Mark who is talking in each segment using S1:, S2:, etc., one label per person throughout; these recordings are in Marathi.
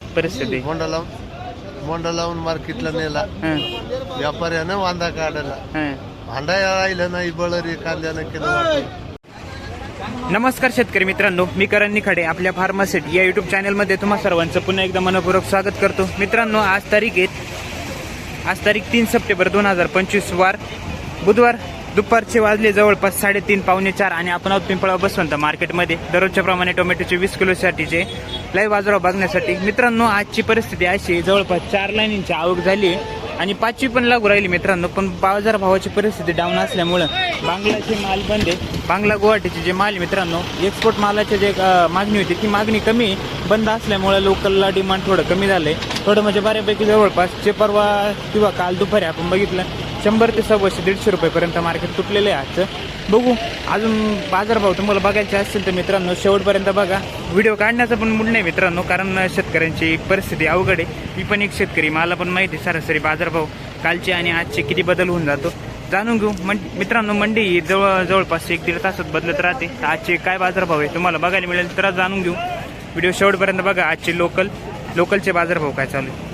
S1: परिस्थिती?
S2: मोंडा लावून मार्केटला नेला व्यापाऱ्यानं वांदा काढला. भांडा राहिलं नाही बळरी कांद्यानं केलं.
S1: नमस्कार शेतकरी मित्रांनो, मी करण निखाडे आपल्या फार्मासिट या युट्यूब चॅनलमध्ये तुम्हा सर्वांचं पुन्हा एकदा मनपूर्वक स्वागत करतो. मित्रांनो, आज तारीख 3 सप्टेंबर 2025 वार बुधवार. दुपारचे वाजले जवळपास 3:30 पावणे 4 आणि आपण आहोत पिंपळा बसवंत मार्केटमध्ये दररोजच्या प्रमाणे टोमॅटोचे 20 किलोसाठीचे लाईव्ह बाजारावर बघण्यासाठी. मित्रांनो, आजची परिस्थिती अशी जवळपास 4 लाईनींची आवक झाली आणि 5वी पण लागू राहिली मित्रांनो. पण बाजारभावाची परिस्थिती डाऊन असल्यामुळं बांगलाचे माल बंद आहे. बांगला गुवाहाटीचे जे माल मित्रांनो, एक्सपोर्ट मालाची जे मागणी होती ती मागणी कमी बंद असल्यामुळे लोकलला डिमांड थोडं कमी झालंय. थोडं म्हणजे बऱ्यापैकी जवळपास परवा किंवा काल दुपारी आपण बघितलं 100 ते 150 रुपयेपर्यंत मार्केट तुटलेलं आहे आजचं. बघू अजून बाजारभाव तुम्हाला बघायचे असतील तर मित्रांनो शेवटपर्यंत बघा. व्हिडिओ काढण्याचा पण मूड नाही मित्रांनो, कारण शेतकऱ्यांची परिस्थिती अवघड आहे. मी पण एक शेतकरी, मला पण माहिती सरासरी बाजारभाव कालचे आणि आजचे किती बदल होऊन जातो जाणून घेऊ. मित्रांनो, मंडी ही जवळपास 1-1.5 तासात बदलत राहते. आजचे काय बाजारभाव आहे तुम्हाला बघायला मिळेल तर जाणून घेऊ. व्हिडिओ शेवटपर्यंत बघा. आजचे लोकलचे बाजारभाव काय चालू आहे.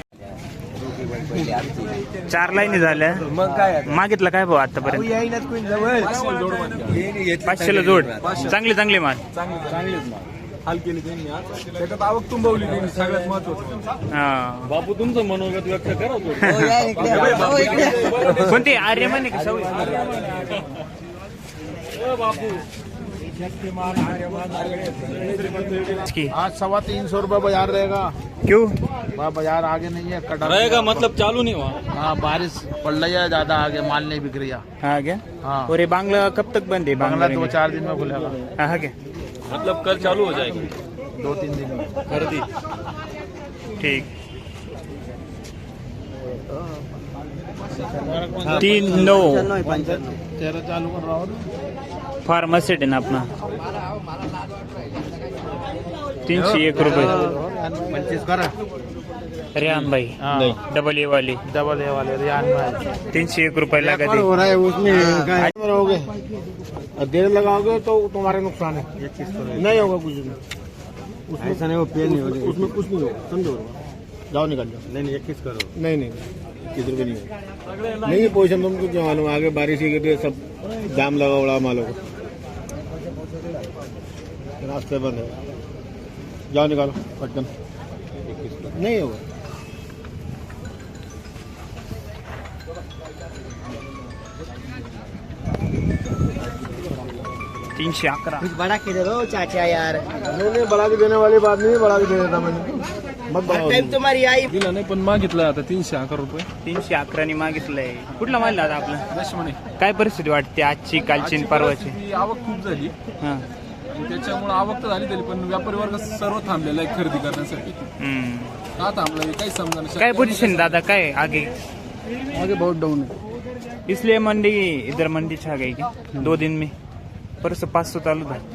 S1: 4 लाईनी झाल्या. मग काय मागितलं काय भाऊ आतापर्यंत? 500ला जोड. चांगले माल
S3: हाल केली त्यांनी. आज त्याच्यात आवक तुंबवली त्यांनी, सगळ्यात महत्वाचं. बापू तुमचं मनोगत व्यक्त करा.
S1: कोणती आर्यमान आहे
S3: बापू
S2: आज 325 रुपये बाजार रहेगा.
S1: क्यों?
S2: बाजार आगे नहीं है, कटा
S3: रहेगा मतलब चालू नहीं हुआ.
S2: हाँ, बारिश पड़ रही है ज्यादा, आगे माल नहीं बिक रहा.
S1: हाँ क्या?
S2: हाँ.
S1: और ये बांग्ला कब तक बंद है?
S2: बांग्ला 2-4 दिन में खुलेगा.
S1: हाँ क्या?
S3: मतलब कल चालू हो जाएगी
S2: 2-3 दिन में.
S3: खरीदी.
S1: ठीक. 3-9
S2: तेरा चालू कर रहा हूँ.
S1: फार्मासिट आहे ना आपला. 301 रुपये.
S2: 25 करा.
S1: रेहान भाई डबल ए वाले
S2: रियान भाई
S1: 301 रुपये लगा दे.
S2: हो रहा है उसमें क्या रहोगे. देर लगाओगे तो तुम्हारा नुकसान है. नहीं होगा कुछ भी. उसमें ऐसा नहीं, वो पेड़ नहीं होगा, उसमें कुछ नहीं होगा. समझो, जाओ निकल जाओ. नहीं 21 करो. नहीं 21 रुपये नहीं होगा. नहीं पोजिशन तुमको क्या मालूम, आगे बारिश ही सब जाम लगा उड़ा मालो को. रास्ते बंद है. जाओ निकालो पटकन. नहीं होगा.
S1: 311.
S4: कुछ बड़ा के दे दो चाचा यार.
S2: नहीं बड़ा के देने वाली बात नहीं, बड़ा के दे देता मैंने. मत बढ़ाओ.
S4: टाइम तुम्हारी आई.
S3: दिला नाही पण मागितलं आता 311 रुपये.
S1: 311 मागितलंय. कुठला माल दादा आपला?
S3: दशमणे.
S1: काय परिस्थिती वाटते आजची, कालची आणि परवाची?
S3: ती आवक खूप झाली
S1: हा.
S3: आणि त्याच्यामुळे आवक तर झाली तरी पण व्यापारी वर्ग सर्व थांबलेला आहे खरेदी करण्यासाठी. का थांबला काही समजा.
S1: काय पोजीशन दादा, काय आगे?
S3: आगे बहुत डाऊन है.
S1: इसलिए मंडी इधर मंडी छा गई क्या 2 दिन में? परसों 500 चालू था.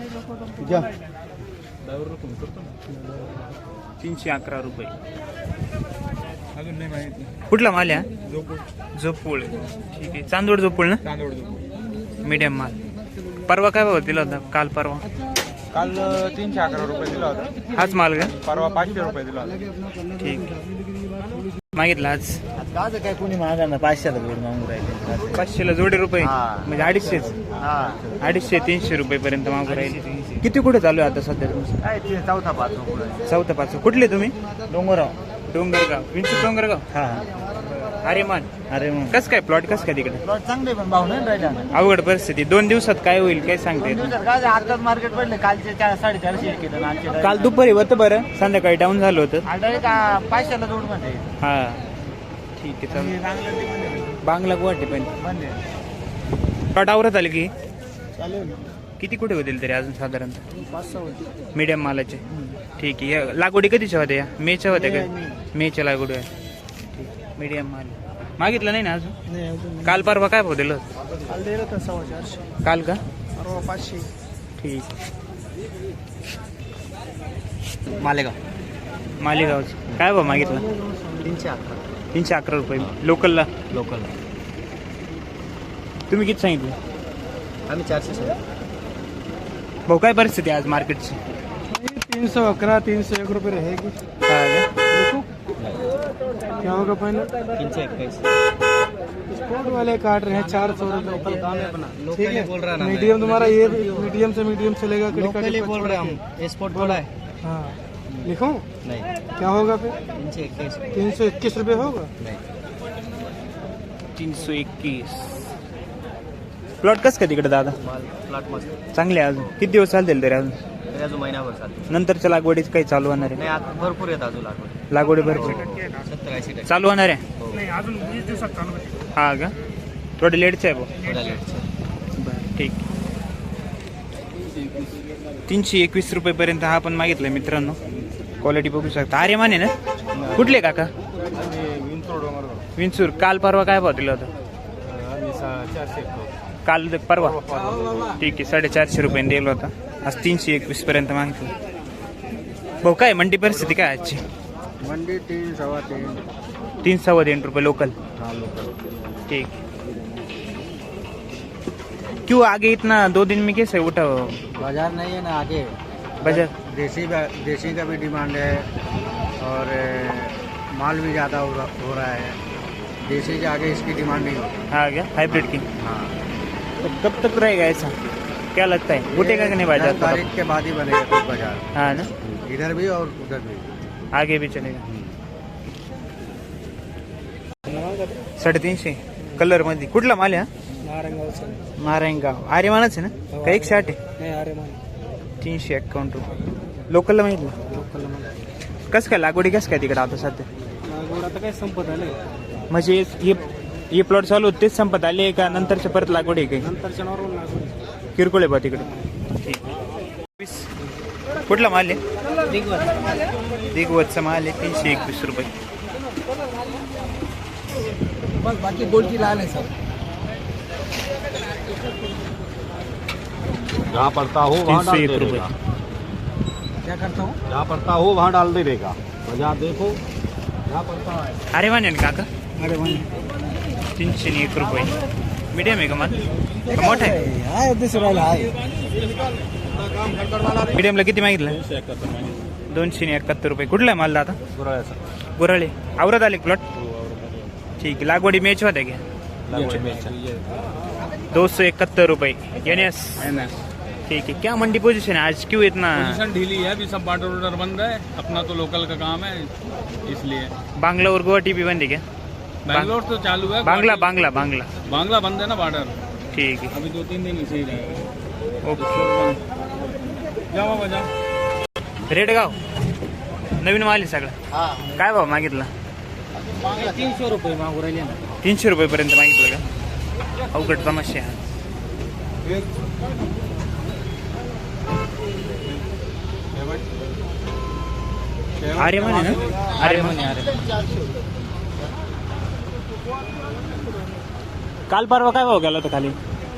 S1: 311 रुपये.
S3: अजून नाही माहिती.
S1: कुठला माल आहे? झोपूळ. ठीक आहे. चांदोड झोपूळ ना? मीडियम माल. परवा काय भाव दिला होता? काल परवा
S3: काल 311 रुपये दिला होता.
S1: हाच माल का?
S3: परवा 500 रुपये दिला होता.
S1: ठीक. मागितला आज
S4: गावचं काय कोणी मागा ना 500ला जोड मागून राहिले.
S1: 500ला जोडी रुपये
S4: हा.
S1: म्हणजे 250. 250-300 रुपयेपर्यंत मागू राहिले. किती कुठे चालू आहे आता सध्या तुमचं?
S4: काय ते चौथा पाच.
S1: कुठले तुम्ही?
S4: डोंगरगाव.
S1: विंचू डोंगरगाव.
S4: हा.
S1: अरे मग कस काय प्लॉट कस काय तिकडे?
S4: प्लॉट चांगले पण भाव नाही राहिला.
S1: अवघड परिस्थिती. 2 दिवसात काय होईल काय सांगता येत नाही.
S4: काय आताच मार्केट पडले. कालचे 400-450 केलं ना.
S1: काल दुपारी होतं बरं, संध्याकाळी डाऊन झालं होतं.
S4: डायरेक्ट 500ला जोड मध्ये.
S1: हा ठीक आहे चालेल. बांगला गुवाहाटी पण
S4: बंद आहे.
S1: प्लॉट आवरत आले की
S4: चालेल.
S1: किती कुठे होतील तरी अजून साधारणतः?
S4: 500 होते.
S1: मीडियम मालाचे. ठीक आहे. या लागवडी कधीच्या होत्या? मेच्या होत्या का? मेच्या लागवडी आहे. ठीक. मीडियम माल मागितलं नाही ना अजून?
S4: नाही
S1: काल परवा काय भाव दिलं?
S4: काल दिलं तर 450.
S1: काल का?
S4: परवा 500.
S1: ठीक. मालेगावचं काय भाव मागितलं?
S4: 311.
S1: 311 रुपये. लोकलला तुम्ही किती सांगितलं?
S4: आम्ही 400.
S1: भाऊ काय परिस्थिती आज मार्केटची?
S4: 311 301 रुपये रहेगी.
S1: काय
S5: क्या होगा फाइनल?
S4: 321
S5: स्पोर्ट वाले काट रहे हैं 400 रुपए। ठीक है,
S4: बोल रहा ना
S5: मीडियम तुम्हारा ये मीडियम से मीडियम चलेगा।
S4: लोकली बोल रहे हम स्पोर्ट बोला है
S5: हाँ लिखूं?
S4: नहीं
S5: क्या होगा फिर?
S4: 321
S5: 321 रुपये होगा।
S1: 321 प्लॉट कसं काय तिकडे दादा?
S4: प्लॉट मस्त
S1: चांगले आहे अजून किती दिवस चालतील तरी अजून?
S4: तरी अजून महिनाभर चालते
S1: नंतरच्या लागवडीच काही चालू होणार
S4: नाही आता भरपूर येत अजून लागवड
S1: आहे? लागवडी भरपूर
S4: 70-80%
S1: चालू होणार आहे
S5: अजून 20 दिवसात चालू होईल।
S1: हा का? थोडे लेटचे आहे भाऊ.
S4: थोडा लेट
S1: बरं ठीक. 321 रुपयेपर्यंत हा पण मागितला मित्रांनो. क्वालिटी बघू शकता. अरे माने ना कुठले काका? विंचूर. काल परवा काय भाव दिला होता? काल परवा ठीक आहे 450 रुपयाने दिला होता. आज 321 पर्यंत मागितलं. भाऊ काय मंडी परिस्थिती काय आजची?
S2: मंडी 3 सवा 3
S1: 3-3.5 रुपये लोकल.
S2: हाँ लोकल।
S1: ठीक. क्यों आगे इतना 2 दिन में कैसे उठा
S2: बाजार नहीं है ना आगे।
S1: बाजार?
S2: देसी का भी डिमांड है और माल भी ज़्यादा हो रहा है। देसी के आगे इसकी डिमांड नहीं होती।
S1: हाँ क्या? हाइब्रिड की.
S2: हाँ
S1: तो कब तक रहेगा ऐसा? क्या लगता है उठेगा कि नहीं बाजार?
S2: 10 तारीख के बाद ही बनेगा कुछ बाजार।
S1: हाँ ना,
S2: इधर भी और उधर भी।
S1: आगे भी चलेगा. 350 कलर मध्ये. कुठला माल आहे? नारायणगाव. आर्यमानच आहे ना का? 160 आहे?
S5: नाही अरे मान
S1: 351 रुपये लोकलला माहितलं. कसं काय लागवडी कसं काय तिकडे आता सध्या?
S5: लागवड आता काय संपत आले
S1: म्हणजे हे प्लॉट चालू होते तेच संपत आले का नंतरच्या परत लागवड आहे काही?
S5: नंतरच्या नॉर्मल लागवड
S1: किरकोळ आहे बा तिकडे. ठीक. कुठला माल आहे? दिगवतचा माल आहे 321 रुपये.
S5: बस बाकी गोल्टी लाल है सब.
S2: जहाँ पड़ता हो वहाँ डाल
S1: 301
S2: दे
S1: रुपये.
S2: देगा।
S5: क्या करता हूँ?
S2: जहाँ पड़ता हो वहाँ डाल दे देगा। बाजार देखो जहाँ पड़ता है।
S1: अरे माने ना काका?
S5: अरे मान
S1: 301 रुपये. मीडियम आहे का माल? का मोठा आहे?
S5: हाय दुसऱ्याला हाय
S1: मीडियमला किती मागितलं? 271 रुपये. कुठला आहे माल दादा? गुराळे. आवरत आले प्लॉट? ठीक है. लागवडी मॅच होत्या क्या? 271 रुपये. NS. ठीक है. क्या मंडी पोजीशन है आज? क्यों इतना?
S3: पोजीशन ढीली है अभी, सब बार्डर वार्डर बंद है, अपना तो लोकल का काम है इसलिए।
S1: बांग्ला और गुवाहाटी भी बंद है क्या?
S3: बैंगलोर तो चालू है,
S1: बांग्ला
S3: बांग्ला बंद है ना बार्डर,
S1: ठीक है.
S3: अभी 2-3 दिन इसे ही रहेगा।
S1: ओके.
S3: जावा बजा
S1: रेडगाव नवीन माल आहे सगळं. काय भाव मागितला?
S4: 300 रुपये मागू राहिले ना.
S1: 300 रुपयेपर्यंत मागितलं का? अवघड समस्या आहे. अरे म्हणे ना? अरे म्हणे. काल परवा काय भाव गेला होता खाली?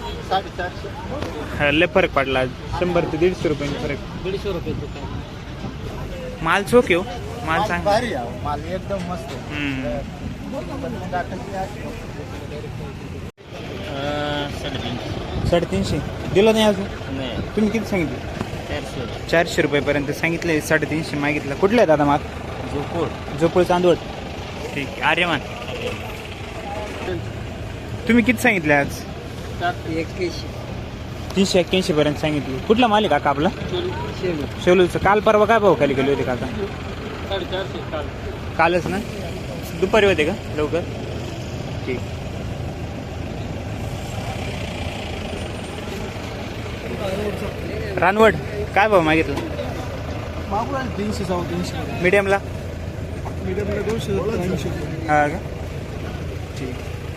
S2: 450
S1: लय फरक पडला. 100 ते 150 रुपयांनी फरक.
S4: 150 रुपये
S1: माल चोख येऊ. माल सांग.
S2: भारी आहे माल एकदम मस्त आहे.
S1: 350 दिलं नाही अजून?
S4: नाही
S1: तुम्ही किती सांगितलं?
S4: 400
S1: 400 रुपयेपर्यंत सांगितले. 350 मागितलं. कुठलं आहे दादा माल? झोपूळ चांदवड. ठीक आहे. आर्यमान. तुम्ही किती सांगितले आज? 381 पर्यंत सांगितले. कुठला माल आहे काका आपला? शेलूचं. काल परवा काय भाव खाली गेले होते काका?
S3: 450
S1: कालच ना? दुपारी होते का लवकर? ठीक. रानवड काय भाव मागितलं?
S5: मागू राहिले 300 350
S1: मीडियमला?
S5: मीडियमला 200 300
S1: हा का? ठीक.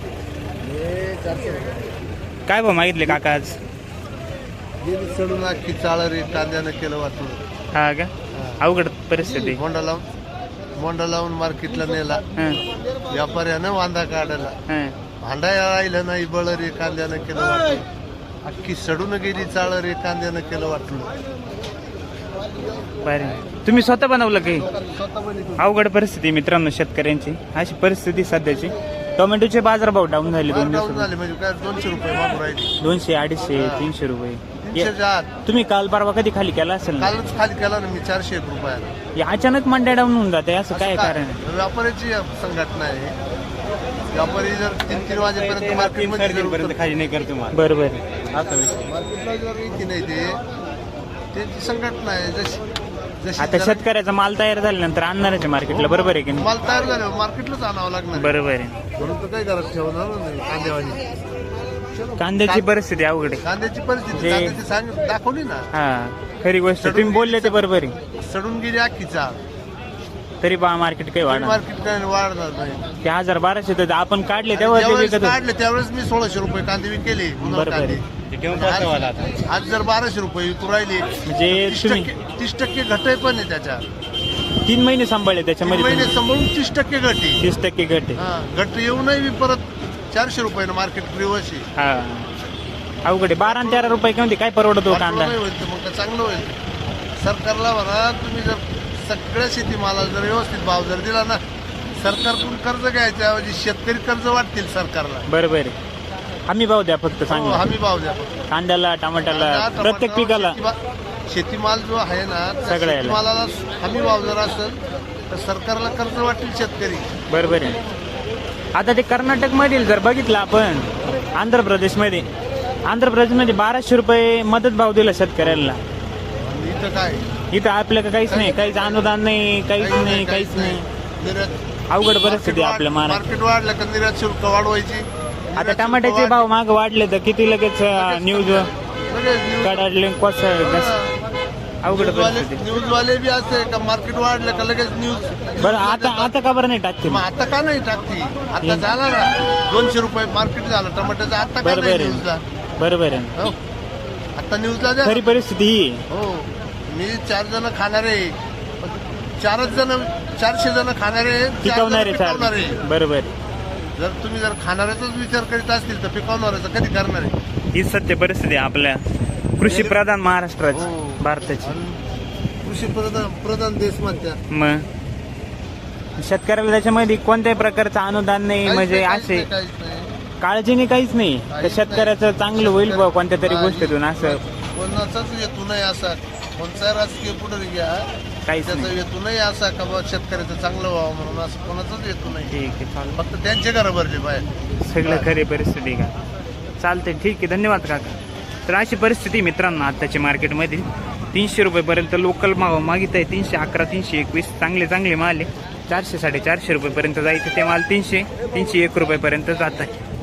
S1: काय भाव मागितले काका आज?
S2: चढून अख्खी चाळ रे कांद्यानं केलं वाटलं.
S1: हा का? अवघड परिस्थिती.
S2: मोंडा लावून मार्केटला नेला.
S1: हां
S2: व्यापाऱ्यानं वांदा काढला.
S1: हां.
S2: भांडाया राहिलं नाही बळ रे कांद्यानं केलं वाटलं. अख्खी सडून गेली चाळ रे कांद्यानं केलं वाटलं.
S1: बरं. तुम्ही स्वतः बनवलं काही? अवघड परिस्थिती मित्रांनो शेतकऱ्यांची. अशी परिस्थिती सध्याची. टोमॅटोचे बाजारभाव डाऊन झाले 2
S2: डाऊन
S1: दिवसात.
S2: झाले म्हणजे काय 200 रुपये मागू राहिले.
S1: 200, 250, 300 रुपये.
S2: तीनशेच्या आत
S1: तुम्ही काल परवा कधी खाली केला असेल ना?
S2: कालच खाली केला ना मी 401 रुपयाला.
S1: हे अचानक मंड्या डाऊन होऊन जाते असं काय कारण आहे?
S2: व्यापाऱ्याची संघटना आहे. व्यापारी जर 3-3 वाजेपर्यंत मार्केटमध्ये जर उतर-
S3: खाली नाही करतो मला
S1: बरोबर
S3: आता विषय
S2: मार्केटला जर येते नाही त्यांची संघटना आहे. जशी
S1: आता
S2: जरा-
S1: शेतकऱ्याचा माल तयार झाल्यानंतर आणणारच आहे मार्केटला, बरोबर आहे की नाही?
S2: माल तयार झाल्यावर मार्केटलाच आणावं लागणार.
S1: बरोबर आहे.
S2: म्हणून तर काही घरात ठेवणार नाही कांदेवाली.
S1: कांद्याची परिस्थिती अवघड आहे.
S2: कांद्याची परिस्थिती
S1: जे-
S2: कांद्याची दाखवली ना.
S1: हा खरी गोष्ट तुम्ही बोलले ते बरोबर आहे.
S2: सडून गेली अख्खीचा.
S1: तरी बा मार्केट काही वाढणार
S2: मार्केट काय वाढणार नाही.
S1: ते 1200 तर आपण काढले तेव्हा ते
S2: ज्यावेळेस
S1: विकत होते.
S2: काढले त्यावेळेस मी 1600 रुपये कांदे विकेले.
S1: बरोबर आहे.
S2: आज जर 1200 रुपये विकू राहिले
S1: म्हणजे तुम्ही
S2: 30% घट पण आहे त्याच्या.
S1: 3 महिने सांभाळले
S2: 3
S1: त्याच्यामध्ये
S2: महिने
S1: तुम्ही.
S2: सांभाळून 30% घट आहे.
S1: 30% घट आहे.
S2: हा, घट येऊनही मी परत 400 रुपयानं मार्केट रिवर्स आहे.
S1: हा अवघड आहे. 12 आणि 13 रुपये किंवा काय परवडतो कांदा?
S2: नाही होईल तर मग काय चांगलं होईल. सरकारला म्हणा तुम्ही जर सगळ्या शेतीमालाला जर व्यवस्थित भाव जर दिला ना, सरकारकडून कर्ज घ्यायच्या ऐवजी शेतकरी कर्ज वाटतील सरकारला.
S1: बरोबर आहे. हमी भाव द्या फक्त
S2: हो,
S1: चांगला.
S2: हमी भाव द्या फक्त.
S1: कांद्याला टमाट्याला
S2: टमाटर,
S1: प्रत्येक पिकाला
S2: शेतीमाल जो आहे ना त्या
S1: सगळ्याला.
S2: शेतीमालाला हमी भाव जर असेल तर सरकारला कर्ज वाटतील शेतकरी.
S1: बरोबर आहे. आता ते कर्नाटक मधील जर बघितलं आपण आंध्र प्रदेशमध्ये 1200 रुपये मदत भाव दिला शेतकऱ्यांना.
S2: आणि इथं काय
S1: इथं आपल्याकडे काहीच नाही, काहीच अनुदान नाही, काहीच नाही, काहीच नाही.
S2: निर्यात
S1: अवघड परिस्थिती आहे आपल्या महाराष्ट्रात.
S2: मार्केट वाढलं का निर्यात शुल्क वाढवायची.
S1: आता टमाट्याचे भाव माग वाढले तर किती लगेच न्यूज काढले अवघड परिस्थिती.
S2: न्यूजवाले बी असते का मार्केट वाढलं का लगेच न्यूज.
S1: बरं आता का बरं नाही टाकते
S2: मग आता का नाही टाकती. आता झाला ना 200 रुपये मार्केट झालं टमाट्याचं. आता का
S1: बरोबर
S2: नाही
S1: आहे.
S2: न्यूजला.
S1: बरोबर आहे.
S2: हो. आता न्यूजला द्या.
S1: खरी परिस्थिती ही आहे.
S2: हो मी 4 जण खाणारे 400 जण खाणारे 4 जण
S1: पिकवणारे
S2: पिकवणारे.
S1: बरोबर.
S2: जर तुम्ही जर खाणाऱ्याचाच विचार करीत असतील तर पिकवणाऱ्याचा कधी करणार आहे.
S1: ही सत्य परिस्थिती आहे आपल्या कृषी प्रधान महाराष्ट्राची,
S2: हो.
S1: भारताची.
S2: आणि कृषी प्रधान देश म्हणत्या.
S1: मग शेतकऱ्याला त्याच्यामध्ये कोणत्याही प्रकारचं अनुदान नाही, म्हणजे असे
S2: काहीच नाही.
S1: काळजीने काहीच नाही. तर शेतकऱ्याचं चांगलं होईल बा कोणत्या तरी गोष्टीतून, असं
S2: कोणाचाच हेतू नाही असा. कोणता राजकीय पुढे घ्या
S1: काहीच
S2: त्याचा
S1: नाही.
S2: हेतू नाही असा का बा शेतकऱ्याचं चांगलं व्हावं म्हणून. असं कोणाचाच हेतू नाही.
S1: ठीक आहे, चालेल.
S2: फक्त त्यांचे घर भरले बाहेर.
S1: सगळं खरी परिस्थिती आहे का? चालते, ठीक आहे, धन्यवाद काका. तर अशी परिस्थिती मित्रांनो आत्ताच्या मार्केटमध्ये 300 रुपयेपर्यंत लोकल भाव मागित आहे. 311, 321 चांगले माल आहे. 400, 450 रुपयेपर्यंत जायचे ते माल 300, 301 रुपयेपर्यंत जात आहे.